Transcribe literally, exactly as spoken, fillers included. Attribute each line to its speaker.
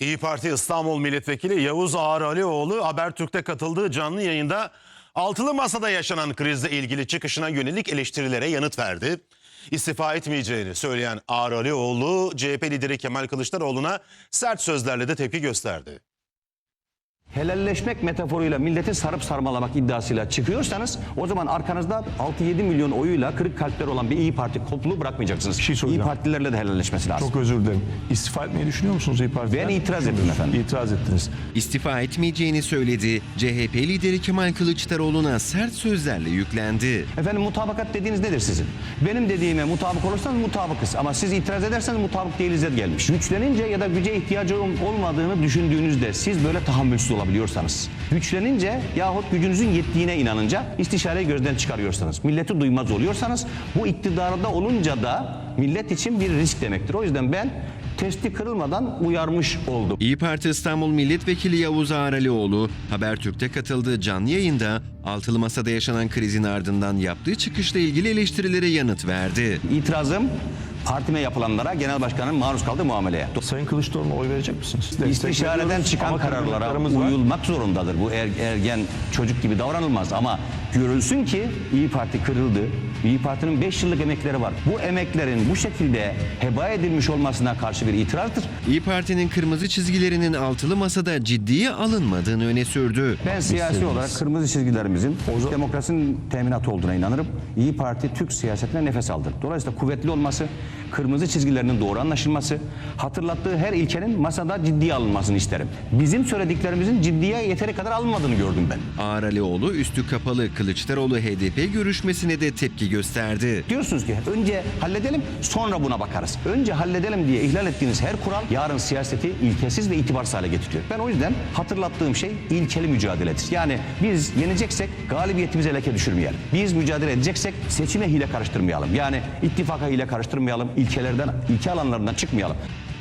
Speaker 1: İyi Parti İstanbul Milletvekili Yavuz Ağralioğlu Habertürk'te katıldığı canlı yayında altılı masada yaşanan krizle ilgili çıkışına yönelik eleştirilere yanıt verdi. İstifa etmeyeceğini söyleyen Ağralioğlu, C H P lideri Kemal Kılıçdaroğlu'na sert sözlerle de tepki gösterdi.
Speaker 2: Helalleşmek metaforuyla milleti sarıp sarmalamak iddiasıyla çıkıyorsanız o zaman arkanızda altı yedi milyon oyuyla kırık kalpler olan bir İyi Parti topluluğu bırakmayacaksınız.
Speaker 3: şey
Speaker 2: İyi Partililerle de helalleşmesi lazım.
Speaker 3: Çok özür dilerim. İstifa etmeyi düşünüyor musunuz İyi Parti'den?
Speaker 2: Ben itiraz ettim efendim.
Speaker 3: İtiraz ettiniz.
Speaker 4: İstifa etmeyeceğini söyledi. C H P lideri Kemal Kılıçdaroğlu'na sert sözlerle yüklendi.
Speaker 2: Efendim mutabakat dediğiniz nedir sizin? Benim dediğime mutabık olursanız mutabıkız ama siz itiraz ederseniz mutabık değiliz'e gelmiş. Güçlenince ya da güce ihtiyacı olmadığını düşündüğünüzde siz böyle tahammülsüz olabiliyorsanız, güçlenince yahut gücünüzün yettiğine inanınca istişareyi gözden çıkarıyorsanız, milleti duymaz oluyorsanız bu iktidarda olunca da millet için bir risk demektir. O yüzden ben testi kırılmadan uyarmış oldum.
Speaker 4: İyi Parti İstanbul Milletvekili Yavuz Ağralioğlu Habertürk'te katıldığı canlı yayında altılı masada yaşanan krizin ardından yaptığı çıkışla ilgili eleştirilere yanıt verdi.
Speaker 2: İtirazım partime yapılanlara, genel başkanın maruz kaldığı muameleye.
Speaker 3: Sayın Kılıçdaroğlu'na oy verecek misiniz?
Speaker 2: İstişareden çıkan
Speaker 3: Ama
Speaker 2: kararlara
Speaker 3: kararlarımız var.
Speaker 2: uyulmak zorundadır. Bu er, ergen çocuk gibi davranılmaz ama görülsün ki İyi Parti kırıldı. İyi Parti'nin beş yıllık emekleri var. Bu emeklerin bu şekilde heba edilmiş olmasına karşı bir itirazdır.
Speaker 4: İyi Parti'nin kırmızı çizgilerinin altılı masada ciddiye alınmadığını öne sürdü.
Speaker 2: Ben siyasi olarak kırmızı çizgilerimizin demokrasinin teminatı olduğuna inanırım. İyi Parti Türk siyasetine nefes aldı. Dolayısıyla kuvvetli olması, kırmızı çizgilerinin doğru anlaşılması, hatırlattığı her ilkenin masada ciddiye alınmasını isterim. Bizim söylediklerimizin ciddiye yeteri kadar alınmadığını gördüm ben.
Speaker 4: Ağralioğlu üstü kapalı Kılıçdaroğlu H D P görüşmesine de tepki gösterdi.
Speaker 2: Diyorsunuz ki önce halledelim sonra buna bakarız. Önce halledelim diye ihlal ettiğiniz her kural yarın siyaseti ilkesiz ve itibarsız hale getiriyor. Ben o yüzden hatırlattığım şey ilkeli mücadeledir. Yani biz yeneceksek galibiyetimize leke düşürmeyelim. Biz mücadele edeceksek seçime hile karıştırmayalım. Yani ittifaka hile karıştırmayalım. İlkelerden, ilke alanlarından çıkmayalım.